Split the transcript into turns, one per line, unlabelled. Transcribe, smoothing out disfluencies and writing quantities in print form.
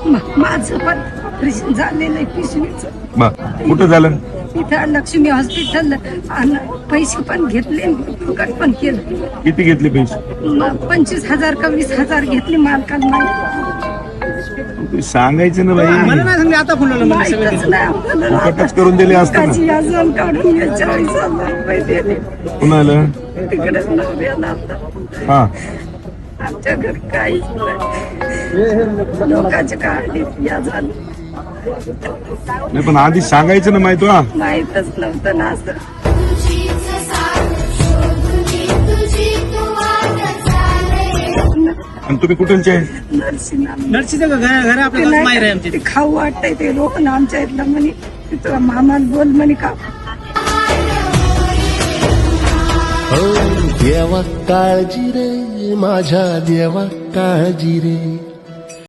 माझं पण ऑपरेशन झालेलं आहे पिशवीचं.
कुठं झालं?
इथं लक्ष्मी हॉस्पिटल. आणि पैसे पण घेतले, फुकट पण केलं.
किती घेतले पैसे?
25,000 का 20,000 घेतले मालकाला माहिती.
सांगायचं ना बाई,
मला नाही सांगले आता फोन लावला मला सगळं
माहीतच नाही आम्हाला.
फुकटच करून दिले असतं ना.
काची अजून काढून घे, 40,000 रुपये दिले.
कुणाला?
तिकडे नवऱ्याला आता.
हा,
आमच्या घरी काहीच नाही. लोकांचे काढले या झालं.
नाही पण आधी सांगायचं ना माहिती. हा,
माहीतच नव्हतं ना असं.
आणि तुम्ही कुठलचे?
नर्सीचं घर आपल्या माहेर आहे आमची.
ते खाऊ वाटतंय ते लोक ना आमच्या इथलं म्हणे. तिथं मामाला बोल म्हणे का.
देवा काळजी रे माझ्या देवा काळजी रे.